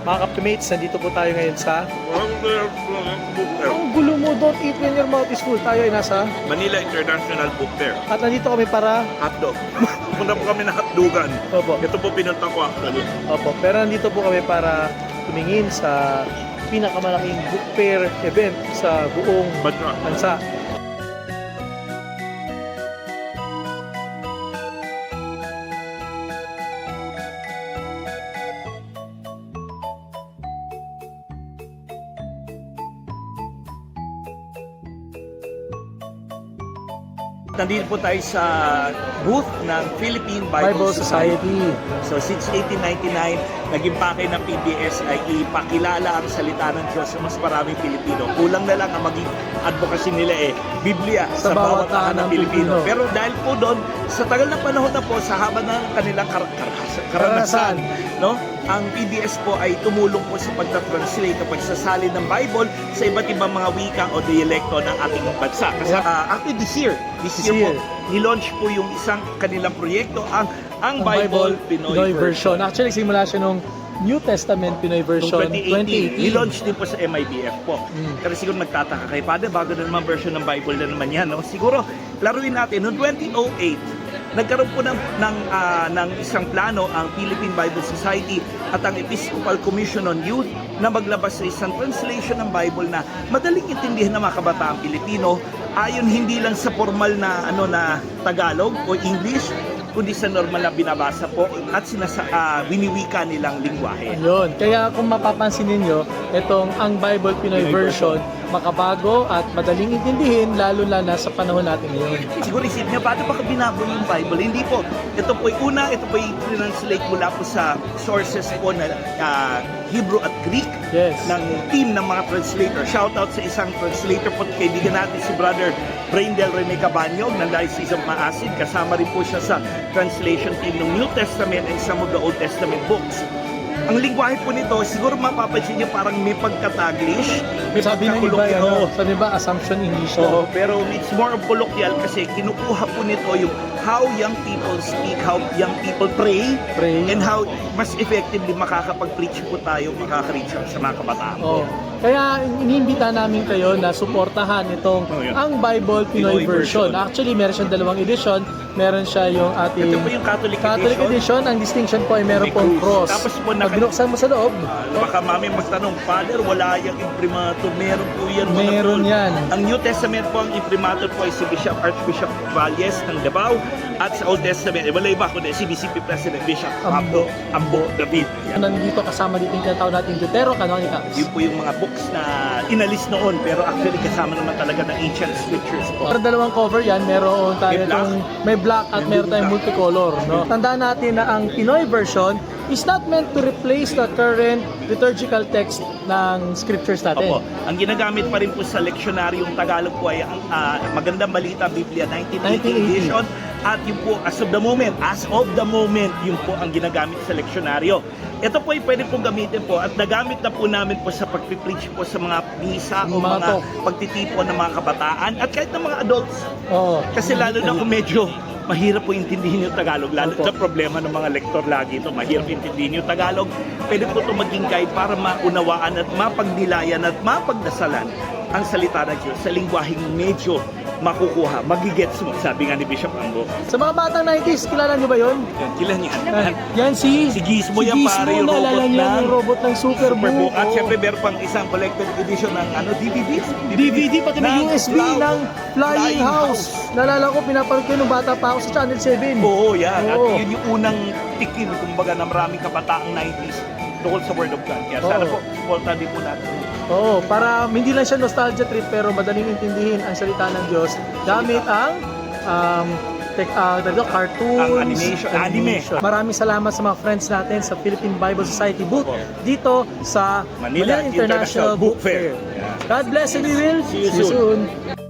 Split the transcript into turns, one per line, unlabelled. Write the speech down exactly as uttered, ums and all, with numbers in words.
Mga Kaptimates, nandito po tayo ngayon sa...
Book Fair.
Ang gulo mo, don't eat when your mouth is full. Tayo ay nasa...
Manila International Book Fair.
At nandito kami para...
Hotdog. Punta po kami na hotdogan.
Opo.
Ito po pinunta ko actually.
Opo, pero nandito po kami para tumingin sa pinakamalaking book fair event sa buong
Bansa.
bansa.
Nandito po tayo sa booth ng Philippine Bible,
Bible
Society.
Society.
So since eighteen ninety-nine, naging pake ng P B S ay ipakilala ang salita ng Diyos sa mas maraming Pilipino. Kulang na lang ang maging advocacy nila eh, Biblia
Sa
sa,
bawat
bawat tahanan ng Pilipino.
Pilipino.
Pero dahil po doon, sa tagal ng panahon na po, sa haba ng kanilang kar kar karanasan, no? Ang P B S po ay tumulong po sa pagta-translate o pagsasalin ng Bible sa iba't ibang mga wika o dialekto ng ating bansa. Kasi
Yeah.
uh, actually this year, this,
This
year,
year.
po, nilaunch po yung isang kanilang proyekto, ang ang
Ang
Bible, Pinoy, version.
Actually, simula siya nung New Testament Pinoy version
twenty
twenty
eighteen,
eighteen.
nilaunch din po sa M I B F po.
Mm.
Pero siguro nagtataka kayo, Padre, bago na naman version ng Bible na naman yan. No? Siguro, laruin natin, noong twenty oh eight, nagkaroon po ng, ng, uh, ng isang plano ang Philippine Bible Society at ang Episcopal Commission on Youth na maglabas sa isang translation ng Bible na madaling intindihan ng mga kabataang Pilipino ayon hindi lang sa formal na ano na Tagalog o English, kundi sa normal na binabasa po at sinasa, uh, winiwika nilang lingwahe.
Ayun. Kaya kung mapapansin ninyo, itong ang Bible Pinoy
Pinoy
version, makabago at madaling intindihin, lalo na sa panahon natin ngayon.
Siguro isip niya, paano ba binabo yung Bible? Hindi po. Ito po ay una, ito po ay translate mula po sa sources po na uh, Hebrew at Greek
Yes.
ng team ng mga translator. Shout out sa isang translator po, kaibigan natin si Brother Braindel Rene Cabanyog ng Diocese of Maasin. Kasama rin po siya sa translation team ng New Testament and some of the Old Testament books. Ang lingwahe po nito, siguro mapapansin niyo parang may pagka-Taglish, may
Sabi ng iba,
pagka-colloquial.
ano, sabi ba, assumption English
Oo,
na.
pero it's more of colloquial kasi kinukuha po nito yung how young people speak, how young people pray,
Pray.
and how mas effectively makakapag-preach po tayo, makaka-reach sa mga kabataan po.
Oh. Kaya iniimbita namin kayo na suportahan itong
Oh, yeah.
ang Bible Pinoy,
Pinoy
version.
version.
Actually, meron siyang dalawang edition. Meron siya yung ating
Ito po yung Catholic,
Catholic edition. Ang distinction po ay meron
May
pong
cross.
cross.
Tapos po
Pag
naka-
binuksan mo sa loob,
Uh, baka mami magtanong, Father, wala yung imprimatur. Meron po yan. mga
Meron
tol.
yan.
Ang New Testament po, ang imprimatur po ay si Bishop Archbishop Valles ng Davao. At sa Old Testament, eh, wala iba kundi si B C P President Bishop
Ambo.
Ambo, Ambo David. Yan.
nandito kasama dito yung tinatawag natin Deutero Canonicals.
Yun po yung mga books na inalis noon, pero actually kasama naman talaga ng ancient scriptures po.
Para dalawang cover yan, meron tayo
May black.
itong may black at
May
meron tayong
black.
multicolor. No? Tandaan natin na ang Pinoy version is not meant to replace the current liturgical text ng scriptures natin.
Opo. Ang ginagamit pa rin po sa leksyonaryong Tagalog po ay ang ah, Magandang Balita Biblia nineteen eighty
nineteen eighty.
edition, at yung po as of the moment, as of the moment, yung po ang ginagamit sa leksyonaryo. Ito po ay pwede pong gamitin po at nagamit na po namin po sa pagpipreach po sa mga misa o
Mga
mga
talk.
pagtitipon ng mga kabataan at kahit ng mga adults.
Oo.
Kasi lalo na kung medyo mahirap po intindihin yung Tagalog, lalo
Opo.
sa problema ng mga lektor lagi ito, mahirap intindihin yung Tagalog. Pwede po ito maging guide para maunawaan at mapagnilayan at mapagdasalan ang salita ng Diyos sa lingwaheng medyo makukuha, magigets mo, sabi nga ni Bishop Ambo.
Sa mga batang nineties, kilala nyo ba yun?
Yan, kailan yan?
Ah, Yan si
Si Gizmo yan, pare, yung
naalala
robot
niyo
ng
yung robot ng Superbook.
Superbook. At
Oo.
syempre, meron pang isang collected edition ng ano, D V D.
D V D, pati may
ng
U S B
Flying-
ng Flying
Flying
House. Naalala ko, pinapanood ko nung bata pa ako sa Channel seven.
Oo, yan. At
Oo.
yun yung unang tikim, kumbaga, ng maraming kabataang nineties tungkol sa Word of God. Kaya sana
Oo.
po, supportan din po natin.
Oo, para hindi lang siya nostalgia trip pero madaling intindihin ang salita ng Diyos gamit ang um, tek, uh, cartoons,
Ang animation, anime.
Maraming salamat sa mga friends natin sa Philippine Bible Society booth
Opo.
dito sa
Manila International Book Fair. Yeah.
God bless and we will
See you soon.